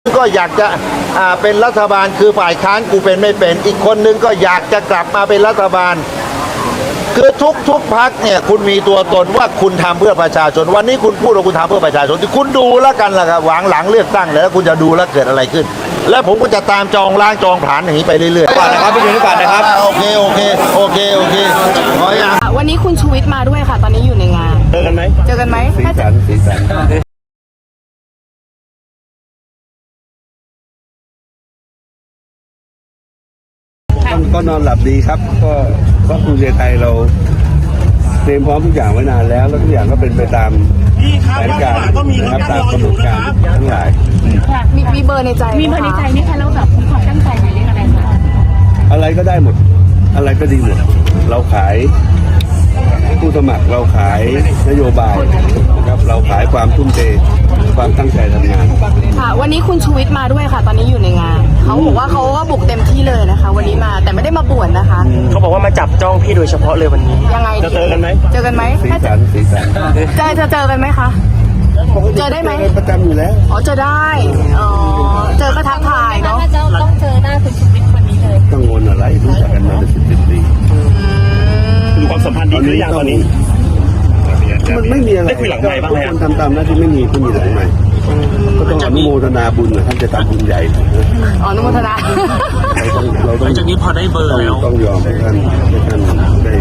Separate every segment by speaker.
Speaker 1: ก็อยากจะเป็นรัฐบาลคือฝ่ายค้านกูเป็นไม่เป็นอีกคนนึงก็อยากจะกลับมาเป็นรัฐบาลคือทุกพรรคเนี่ยคุณมีตัวตนว่าคุณทำเพื่อประชาชนวันนี้คุณพูดว่าคุณทำเพื่อประชาชนที่คุณดูแล้วกันล่ะครับหวังหลังเลือกตั้งแล้วคุณจะดูแล้วเกิดอะไรขึ้นแล้วผมก็จะตามจองล้างจองผลาญอย่างนี้ไปเรื่อยๆ
Speaker 2: ก่อนนะครับไปดูนี่ก่อนนะครับ
Speaker 1: โอเคขออย่าง
Speaker 3: วันนี้คุณชูวิทย์มาด้วยค่ะตอนนี้อยู่ในงาน
Speaker 2: เจอกันไหม
Speaker 1: สีสัน
Speaker 4: ก็นอนหลับดีครับก็ภูมิใจไทยเราเตรียมพร้อมทุกอย่างไว้นานแล้วทุกอย่างก็เป็นไปตามแผนการนะครับตามกำหนดการทั้งหลาย
Speaker 3: มีเบอร์ในใจ
Speaker 5: มีเบอร์ในใจไหมคะแล้วแบบมีความตั้งใจไหมเรื่องอะไรคะ
Speaker 4: อะไรก็ได้หมดอะไรก็ดีหมดเราขายผู้สมัครเราขายนโยบายนะครับเราขายความทุ่มเทความตั้งใจทำงาน
Speaker 3: ค่ะวันนี้คุณชูวิทย์มาด้วยค่ะตอนนี้อยู่ในงานเขาบอกว่าเขาก็บุกเต็มที่เลยนะคะวันนี้มาแต่ไม่ได้มาป่วนนะคะ
Speaker 2: เขาบอกว่ามาจับจ้องพี่โดยเฉพาะเลยวันนี้
Speaker 3: ยังไง
Speaker 2: จะเจอกันไหม
Speaker 4: สีสัน
Speaker 3: จะเจอกันไหมคะเจอได้ไหม
Speaker 4: ประจำอยู่แล้ว
Speaker 3: อ๋อเจอได้อ๋อเจอก็ทักทายเนาะ
Speaker 5: ต้องเจอหน้าคุณชูวิทย์วันนี้เลย
Speaker 4: กังวลอะไรรู้จักกันมาเป็น10 ปี
Speaker 2: ดูความสัมพันธ์ดีหรือยังตอนนี้
Speaker 4: มันไม่มีอะไร
Speaker 2: ได้คุยหลังไมค์บ้างไหม
Speaker 4: ทำตามหน้าที่ไม่มีหลังไมค์ก็ต้องอนุโมทนาบุญนะท่านจะทำบุญใหญ่
Speaker 3: อนุโมทนา
Speaker 4: เราต้อง
Speaker 2: จากนี้พอได้เบอร์แล้ว
Speaker 4: ต้องยอมให้ท่านได้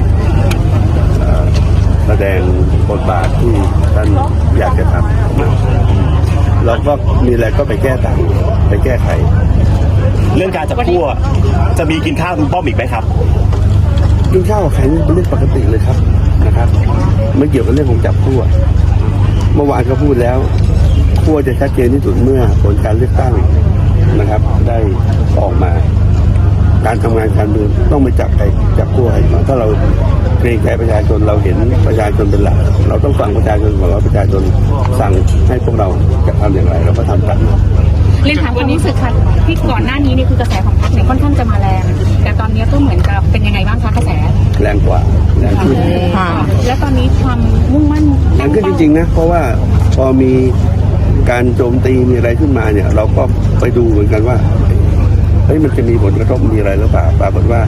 Speaker 4: แสดงบทบาทที่ท่านอยากจะทำนะเราก็มีอะไรก็ไปแก้ต่างไปแก้ไข
Speaker 2: เรื่องการจับคั่วจะมีกินข้าวคุณป้อมอีกไหมครับ
Speaker 4: กินข้าวกับใครเป็นเรื่องปกติเลยครับนะครับไม่เกี่ยวกับเรื่องของจับคั่วเมื่อวานก็พูดแล้วคั่วจะชัดเจนที่สุดเมื่อผลการเลือกตั้งนะครับได้ออกมาการทำงานการเมืองต้องไม่จับคั่วให้มาถ้าเราเกรงใจประชาชนเราเห็นประชาชนเป็นหลักเราต้องฟังประชาชนของเราประชาชนสั่งให้พวกเราจะทำอย่างไรเราก็ทำตาม
Speaker 5: เรียนถามวันนี้สึกค่ะที่ก่อนหน้านี้นี่คือกระแสของพรรคเนี่ยค่อนข้างจะมาแรงแต่ตอนนี้ก็เหมือนกับเป็นยังไงบ้างคะกระแส
Speaker 4: แรงกว่าแรงขึ้น
Speaker 5: และตอนนี้ความมุ่งมั่น
Speaker 4: แรงขึ้นจริงๆนะเพราะว่าพอมีการโจมตีมีอะไรขึ้นมาเนี่ยเราก็ไปดูเหมือนกันว่าเฮ้ยมันจะมีผลกระทบมีอะไรหรือเปล่าปรากฏว่า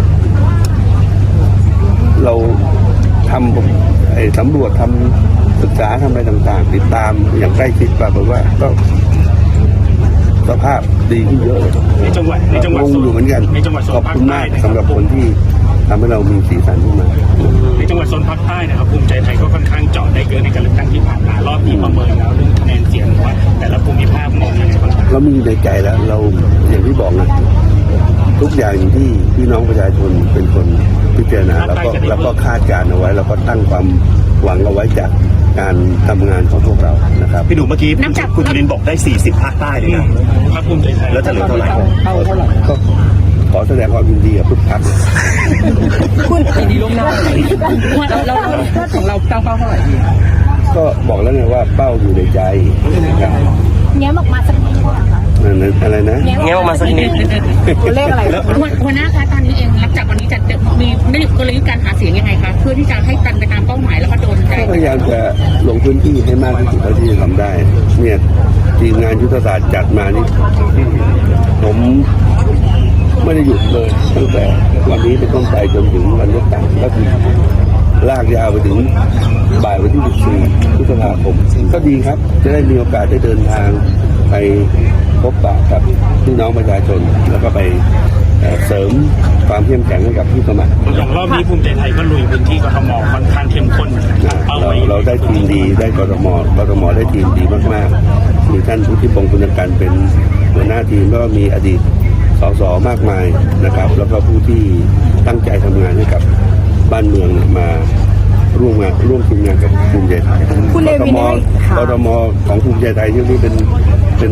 Speaker 4: เราทำสำรวจทำศึกษาทำอะไรต่างๆติดตามอย่างใกล้ชิดปรากฏว่าก็สภาพดีขึ้นเยอะเลย
Speaker 2: ในจังหวัด
Speaker 4: งงอยู่เหมือนกันขอบคุณมากสำหรับคนที่ทำให้เรามีสีสันขึ้นมา
Speaker 2: ในจังหวัดโซนภาคใต้นะครับภูมิใจไทยก็ค่อนข้างเจาะได้เกินในการเลือกตั้งที่ผ่านมารอบนี้ประเมินแล้วเรื่องคะแนนเสียงว่าแต่ละภูมิภาคมองยังไงบ้าง
Speaker 4: เรามีในใจแล้วเราอย่างที่บอกนะทุกอย่างที่พี่น้องประชาชนเป็นคนพิจารณาแล้วก็คาดการเอาไว้แล้วก็ตั้งความหวังเอาไว้จากการทำงานของพวกเรานะครับ
Speaker 2: พี่ดูเมื่อกี้คุณจุลินบอกได้40ภาคใต้เลยนะภาคภูมิใจไทยแล้วจะเหลือเท่าไหร่
Speaker 4: ก็ขอแสดงความยินดีกับทุกท่าน
Speaker 5: คุณดีลงหน้าเราของเราเป้าเท่าไหร่
Speaker 4: ก็บอกแล้วไงว่าเป้าอยู่ในใจนะครับ
Speaker 5: แง้มออกมาสักนิด
Speaker 4: อะไรนะ
Speaker 2: แง้มออกมาสักนิด
Speaker 3: เลขอะไร
Speaker 5: หัวหน้าคะตอนนี้เองหลังจากวันนี้จะมีกลยุทธ์การหาเสียงยังไงคะเพื่อที่จะให้กันไปตามเป้าหมายแล้วก็โดนใจ
Speaker 4: พยายามจะลงพื้นที่ให้มากที่สุดเท่าที่จะทำได้เนี่ยทีมงานยุทธศาสตร์จัดมานี่ผมไม่ได้หยุดเลยตั้งแต่วันนี้เป็นต้นไปจนถึงวันเลือกตั้งก็คือลากยาวไปถึงบ่ายวันที่14 พฤษภาคมก็ดีครับจะได้มีโอกาสได้เดินทางไปพบปะกับพี่น้องประชาชนแล้วก็ไปเสริมความเข้มแข็งให้กับผู้สมัคร
Speaker 2: อย่างรอบนี้ภูมิใจไทยก็ลุยพื้นที่กทมค่อนข้างเข้มข้น
Speaker 4: เราได้ทีมดีได้กทมได้ทีมดีมากๆมีท่านพุทธิพงศ์ปุณกันเป็นหัวหน้าทีมแล้วก็มีอดีตสสมากมายนะครับแล้วก็ผู้ที่ตั้งใจทำงานให้กับบ้านเมืองมาร่วมทีมงานกับภูมิใจไทยกทมของภูมิใจไทยที่เป็น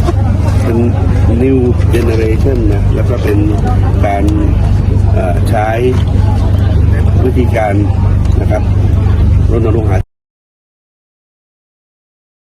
Speaker 4: new generation นะแล้วก็เป็นการใช้วิธีการนะครับรณรงค์หา